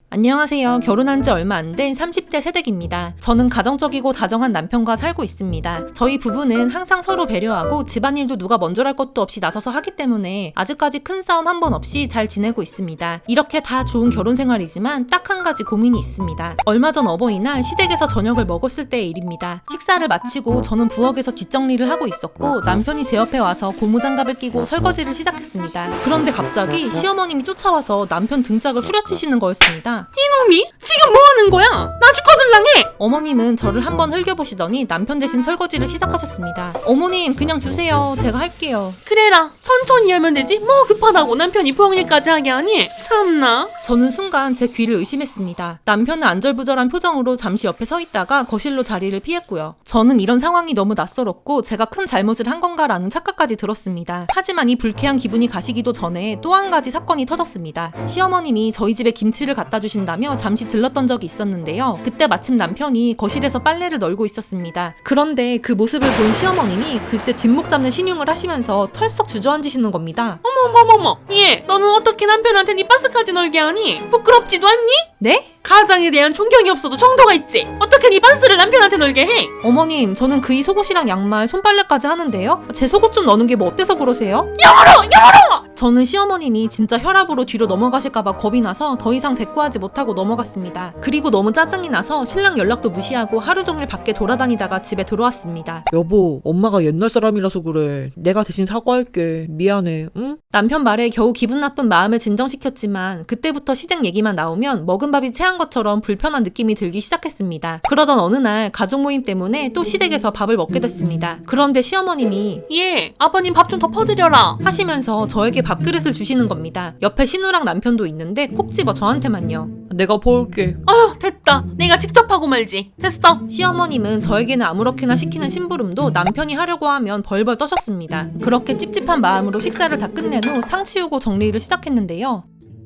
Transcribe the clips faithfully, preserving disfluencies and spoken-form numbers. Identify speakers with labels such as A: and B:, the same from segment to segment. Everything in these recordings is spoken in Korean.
A: 안녕하세요. 결혼한 지 얼마 안 된 삼십 대 새댁입니다. 저는 가정적이고 다정한 남편과 살고 있습니다. 저희 부부는 항상 서로 배려하고 집안일도 누가 먼저랄 것도 없이 나서서 하기 때문에 아직까지 큰 싸움 한 번 없이 잘 지내고 있습니다. 이렇게 다 좋은 결혼 생활이지만 딱 한 가지 고민이 있습니다. 얼마 전 어버이날 시댁에서 저녁을 먹었을 때의 일입니다. 식사를 마치고 저는 부엌에서 뒷정리를 하고 있었고 남편이 제 옆에 와서 고무장갑을 끼고 설거지를 시작했습니다. 그런데 갑자기 시어머님이 쫓아와서 남편 등짝을 후려치시는 거였습니다.
B: 이놈이? 지금 뭐하는 거야? 나 죽어들랑해!
A: 어머님은 저를 한번 흘겨보시더니 남편 대신 설거지를 시작하셨습니다. 어머님 그냥 두세요. 제가 할게요.
B: 그래라, 천천히 하면 되지 뭐 급하다고 남편이 부엌일까지 하게 하니? 참나.
A: 저는 순간 제 귀를 의심했습니다. 남편은 안절부절한 표정으로 잠시 옆에 서 있다가 거실로 자리를 피했고요. 저는 이런 상황이 너무 낯설었고 제가 큰 잘못을 한 건가라는 착각까지 들었습니다. 하지만 이 불쾌한 기분이 가시기도 전에 또 한 가지 사건이 터졌습니다. 시어머님이 저희 집에 김치를 갖다 주신다며 잠시 들렀던 적이 있었는데요. 그때 마침 남편이 거실에서 빨래를 널고 있었습니다. 그런데 그 모습을 본 시어머님이 글쎄 뒷목 잡는 신용을 하시면서 털썩 주저앉으시는 겁니다.
B: 어머머머머, 얘 너는 어떻게 남편한테 네 바스까지 널게 하니? 부끄럽지도 않니?
A: 네?
B: 가장에 대한 존경이 없어도 정도가 있지. 어떻게 네 바스를 남편한테 널게 해?
A: 어머님 저는 그이 속옷이랑 양말, 손빨래까지 하는데요. 제 속옷 좀 넣는 게 뭐 어때서 그러세요?
B: 영어로! 영어로!
A: 저는 시어머님이 진짜 혈압으로 뒤로 넘어가실까봐 겁이 나서 더 이상 대꾸하지 못하고 넘어갔습니다. 그리고 너무 짜증이 나서 신랑 연락도 무시하고 하루 종일 밖에 돌아다니다가 집에 들어왔습니다.
C: 여보, 엄마가 옛날 사람이라서 그래. 내가 대신 사과할게. 미안해, 응?
A: 남편 말에 겨우 기분 나쁜 마음을 진정시켰지만 그때부터 시댁 얘기만 나오면 먹은 밥이 체한 것처럼 불편한 느낌이 들기 시작했습니다. 그러던 어느 날 가족 모임 때문에 또 시댁에서 밥을 먹게 됐습니다. 그런데 시어머님이
B: 얘 아버님 밥 좀 더 퍼드려라
A: 하시면서 저에게 밥그릇을 주시는 겁니다. 옆에 신우랑 남편도 있는데 콕 집어 저한테만요.
C: 내가 퍼올게.
B: 어휴 됐다, 내가 직접 하고 말지. 됐어.
A: 시어머님은 저에게는 아무렇게나 시키는 심부름도 남편이 하려고 하면 벌벌 떠셨습니다. 그렇게 찝찝한 마음으로 식사를 다 끝낸 후 상 치우고 정리를 시작했는데요.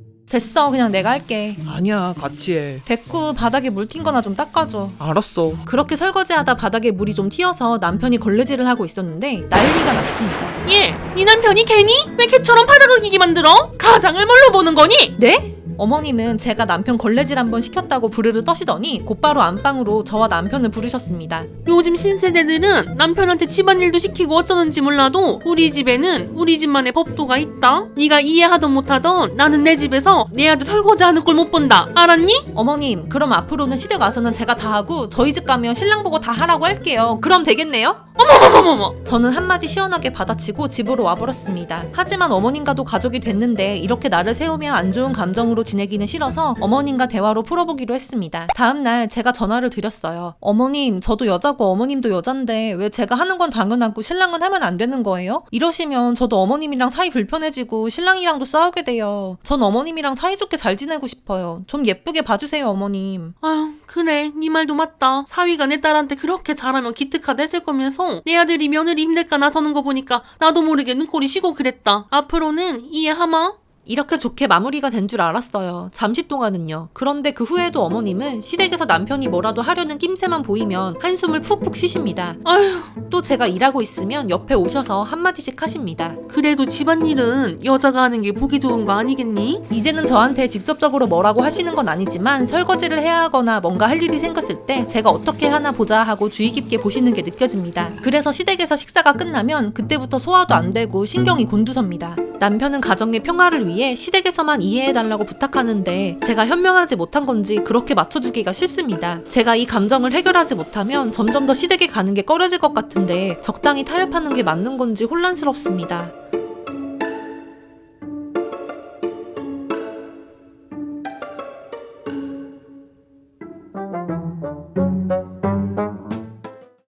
A: 됐어, 그냥 내가 할게.
C: 아니야, 같이 해.
A: 됐고 바닥에 물 튄 거나 좀 닦아줘.
C: 알았어.
A: 그렇게 설거지하다 바닥에 물이 좀 튀어서 남편이 걸레질을 하고 있었는데 난리가 났습니다.
B: 얘, 네 남편이 괜히? 왜 개처럼 바닥을 기게 만들어? 가장을 뭘로 보는 거니?
A: 네? 어머님은 제가 남편 걸레질 한번 시켰다고 부르르 떠시더니 곧바로 안방으로 저와 남편을 부르셨습니다.
B: 요즘 신세대들은 남편한테 집안일도 시키고 어쩌는지 몰라도 우리 집에는 우리 집만의 법도가 있다. 네가 이해하던 못하던 나는 내 집에서 내 아들 설거지하는 꼴 못 본다. 알았니?
A: 어머님 그럼 앞으로는 시댁 와서는 제가 다 하고 저희 집 가면 신랑 보고 다 하라고 할게요. 그럼 되겠네요?
B: 어머머머머머.
A: 저는 한마디 시원하게 받아치고 집으로 와버렸습니다. 하지만 어머님과도 가족이 됐는데 이렇게 나를 세우며 안 좋은 감정으로 지내기는 싫어서 어머님과 대화로 풀어보기로 했습니다. 다음날 제가 전화를 드렸어요. 어머님 저도 여자고 어머님도 여잔데 왜 제가 하는 건 당연하고 신랑은 하면 안 되는 거예요? 이러시면 저도 어머님이랑 사이 불편해지고 신랑이랑도 싸우게 돼요. 전 어머님이랑 사이좋게 잘 지내고 싶어요. 좀 예쁘게 봐주세요 어머님.
B: 아휴 그래, 네 말도 맞다. 사위가 내 딸한테 그렇게 잘하면 기특하다 했을 거면서 내 아들이 며느리 힘들까 나서는 거 보니까 나도 모르게 눈코리 쉬고 그랬다. 앞으로는 이해하마?
A: 이렇게 좋게 마무리가 된 줄 알았어요. 잠시 동안은요. 그런데 그 후에도 어머님은 시댁에서 남편이 뭐라도 하려는 낌새만 보이면 한숨을 푹푹 쉬십니다.
B: 아휴
A: 또 제가 일하고 있으면 옆에 오셔서 한마디씩 하십니다.
B: 그래도 집안일은 여자가 하는 게 보기 좋은 거 아니겠니?
A: 이제는 저한테 직접적으로 뭐라고 하시는 건 아니지만 설거지를 해야 하거나 뭔가 할 일이 생겼을 때 제가 어떻게 하나 보자 하고 주의 깊게 보시는 게 느껴집니다. 그래서 시댁에서 식사가 끝나면 그때부터 소화도 안 되고 신경이 곤두섭니다. 남편은 가정의 평화를 위해 시댁에서만 이해해달라고 부탁하는데 제가 현명하지 못한 건지 그렇게 맞춰주기가 싫습니다. 제가 이 감정을 해결하지 못하면 점점 더 시댁에 가는 게 꺼려질 것 같은데 적당히 타협하는 게 맞는 건지 혼란스럽습니다.